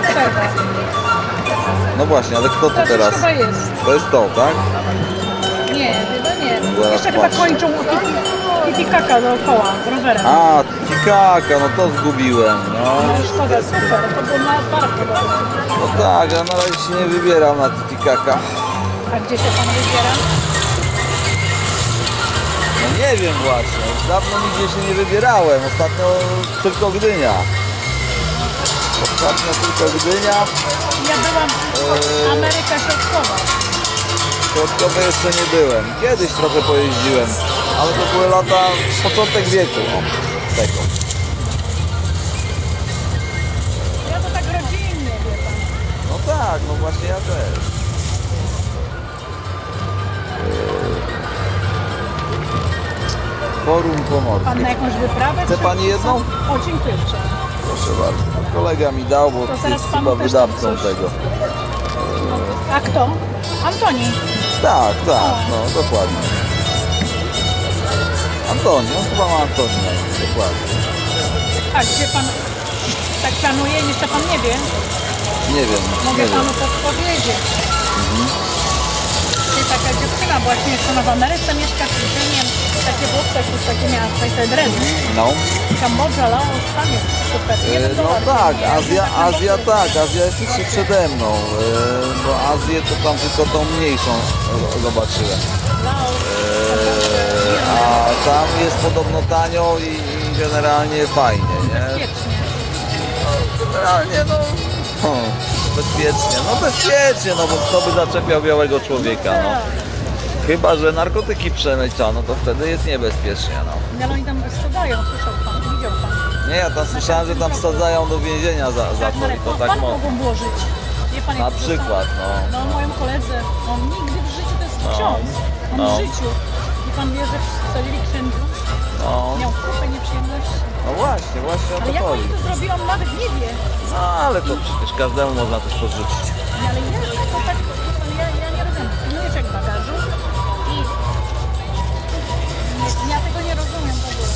przerwa. No właśnie, ale kto to To teraz? chyba jest. To jest to, tak? Nie, chyba nie. Zaraz Jeszcze chyba patrzę. kończą tiki-taka dookoła rowerem. A, Titicaca, no to zgubiłem. No, No szkoda, super. To był na park chyba. no tak, ja na razie się nie wybieram na Titicaca. A gdzie się pan wybiera? No nie wiem właśnie, dawno nigdzie się nie wybierałem. Ostatnio tylko Gdynia. Ostatnio tylko Gdynia. Ja byłam Ameryka Środkowa. Środkowy jeszcze nie byłem. Kiedyś trochę pojeździłem, ale to były lata, początek wieku. No, tego. Ja to tak rodzinnie, wie pan. No tak, no właśnie ja też. Forum Pan Pomorskie. na jakąś wyprawę? Chce czy- pani jedną? O, dziękuję uprzejmie. Proszę bardzo. Kolega mi dał, bo To jest zaraz panu chyba też wydawcą tam coś. tego. A kto? Antoni. Tak, tak, no dokładnie. Antoni, on chyba ma Antonia, dokładnie. A gdzie pan tak planuje? Jeszcze pan nie wie. Nie wiem, Mogę nie wiem. panu podpowiedzieć. Jest taka dziewczyna właśnie jeszcze w Ameryce mieszka, czy nie wiem, takie włosy, jakieś takie miała te dredy. No. Kambodża, Laos, tam jest super. Jeden No dolar, tak, nie? Azja tak, Azja jest jeszcze przede mną, bo Azję to tam tylko tą mniejszą zobaczyłem. Laos, A tam jest podobno tanio i generalnie fajnie, nie? bezpiecznie. Generalnie bezpiecznie, no bo kto by zaczepiał białego człowieka, no. Chyba że narkotyki przemyca, no to wtedy jest niebezpiecznie, no. Ale oni tam sprzedają, słyszał pan, widział pan. Nie, ja tam słyszałem, że tam wsadzają do więzienia za to i to tak pan mocno. mogą włożyć. Wie pan, jak Na to przykład, zostało? no. No moim koledze, on nigdy w życiu, to jest No. ksiądz. On No. w życiu. I pan wie, że wsadzili księdzu, No, miał kupę nieprzyjemności. no właśnie o Ale to jak chodzi. oni to zrobią, nawet nie wie. No ale to przecież każdemu można coś podrzucić. Nie, ale jak to tak, ja nie rozumiem. Pilnujesz jak bagażu i ja tego nie rozumiem w ogóle.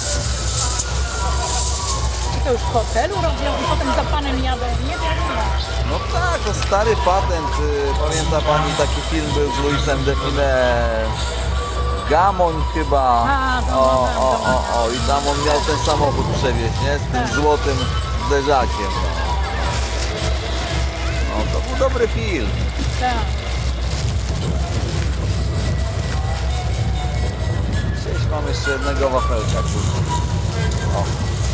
Czy to już w hotelu robią i potem za panem jadę? Nie wiadomo. No tak, to stary patent. Pamięta pani, taki film był z Louisem Definem. Gamoń chyba. A, dobra. I tam on miał ten samochód przewieźć, nie? Z tym Tak. złotym zderzakiem. No to był dobry film. Tak. Cześć, mam jeszcze jednego wafelka. O.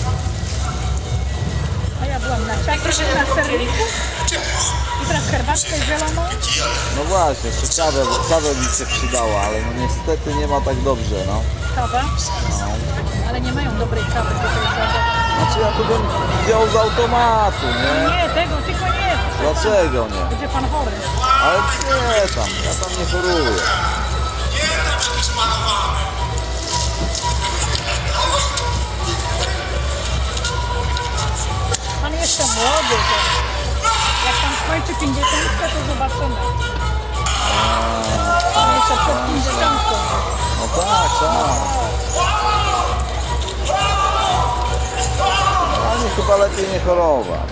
A ja byłam na czasie, na serniku i teraz herbatkę zieloną. No właśnie, jeszcze kawę mi się przydała, ale no niestety nie ma tak dobrze, no. Kawa, No. ale nie mają dobrej kawy tutaj za. Znaczy ja to bym wziął z automatu, nie? Nie, tego tylko nie. proszę Dlaczego pana. nie? Będzie pan chory. Ale nie tam, ja tam nie choruję. Pan jeszcze młody, to jak pan skończy 50, to zobaczymy. Pan jeszcze przed 50. No tak. Ale chyba lepiej nie chorować.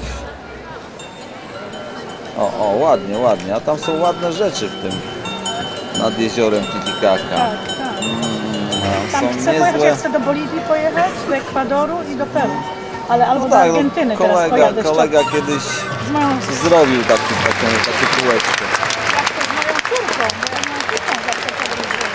Ładnie, a tam są ładne rzeczy w tym, nad jeziorem Titicaca. Tak, tak. Tam Są chcę pojechać, niezłe. ja chcę do Boliwii pojechać, do Ekwadoru i do Peru. Ale albo No do tak, Argentyny teraz pojadę kolega kiedyś z moją zrobił takie kółeczko. ja chcę z moją córką, bo ja z moją córką zawsze podróżuję.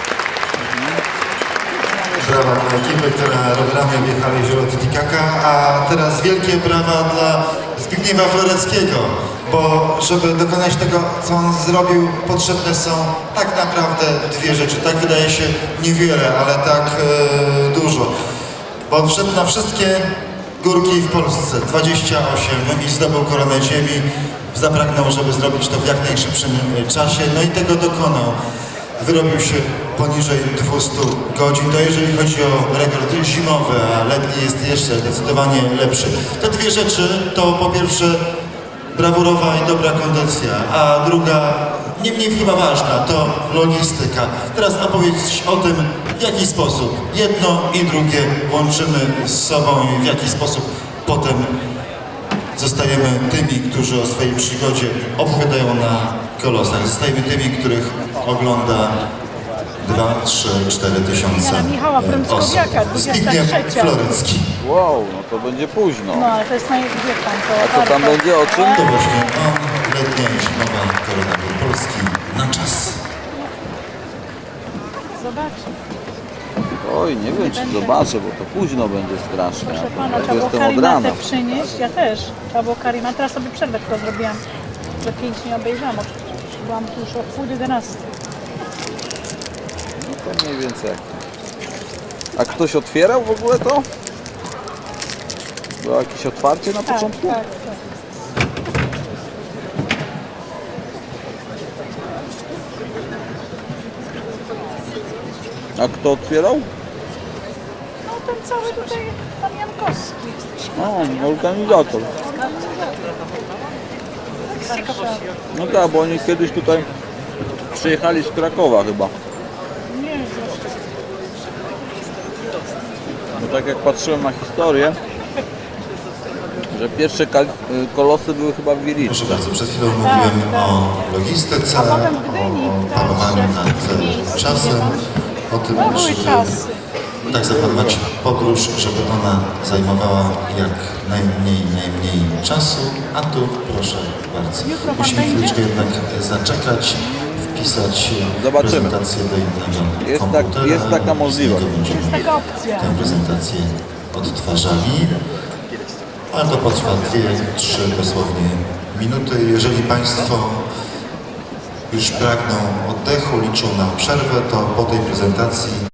Brawa dla ekipy, która rowerami objechała jezioro Titicaca, a teraz wielkie brawa dla Zbigniewa Floreckiego, bo żeby dokonać tego, co on zrobił, potrzebne są tak naprawdę dwie rzeczy. Tak wydaje się niewiele, ale tak dużo. Bo on wszedł na wszystkie górki w Polsce, 28, i zdobył koronę ziemi. Zapragnął, żeby zrobić to w jak najszybszym czasie, no i tego dokonał. Wyrobił się poniżej 200 godzin. To jeżeli chodzi o rekord zimowy, a letni jest jeszcze zdecydowanie lepszy. Te dwie rzeczy to po pierwsze brawurowa i dobra kondycja, a druga, nie mniej chyba ważna, to logistyka. Teraz opowiedz o tym, w jaki sposób jedno i drugie łączymy z sobą i w jaki sposób potem zostajemy tymi, którzy o swojej przygodzie opowiadają na kolosach. Zostajemy tymi, których ogląda 2, 3, 4 tysiące Ja, Michała osób. Frąckowiaka, 23. Zbigniew Florecki. Wow, no to będzie późno. No ale to jest wie pan, to A co tam warto. będzie, o czym? To właśnie on, letnia i zimowa koronawir Polski na czas. Zobaczcie. Oj, nie wiem, czy zobaczę, bo to późno będzie strasznie. Proszę Ja pana, tu trzeba było jestem od rana. karimatę przynieść. Ja też. Trzeba było karimatę. Teraz sobie przerwę tylko zrobiłam. Że 5 nie obejrzałam oczywiście. Byłam tu już o 10:30. No to mniej więcej. A ktoś otwierał w ogóle to? Było jakieś otwarcie na Tak, początku? tak. A kto otwierał? No ten cały tutaj, pan Jankowski. No, organizator. No tak, bo oni kiedyś tutaj przyjechali z Krakowa chyba. Nie wiem. No tak jak patrzyłem na historię, że pierwsze kolosy były chyba w Wieliczce. Proszę bardzo, przed chwilą mówiłem o logistyce, A potem Gdyni, o panowaniu nad miejscu, czasem, o tym, No były żeby czasy. tak zaplanować podróż, żeby ona zajmowała jak najmniej czasu, a tu proszę bardzo. Jutro pan Musimy będzie? chwileczkę jednak zaczekać, wpisać Zobaczymy. prezentację do innego Jest komputera. jest taka możliwość. Z niego będziemy Jest taka opcja. tę prezentację odtwarzali. Ale to potrwa 2-3 dosłownie minuty. Jeżeli Państwo już pragną oddechu, liczą na przerwę, to po tej prezentacji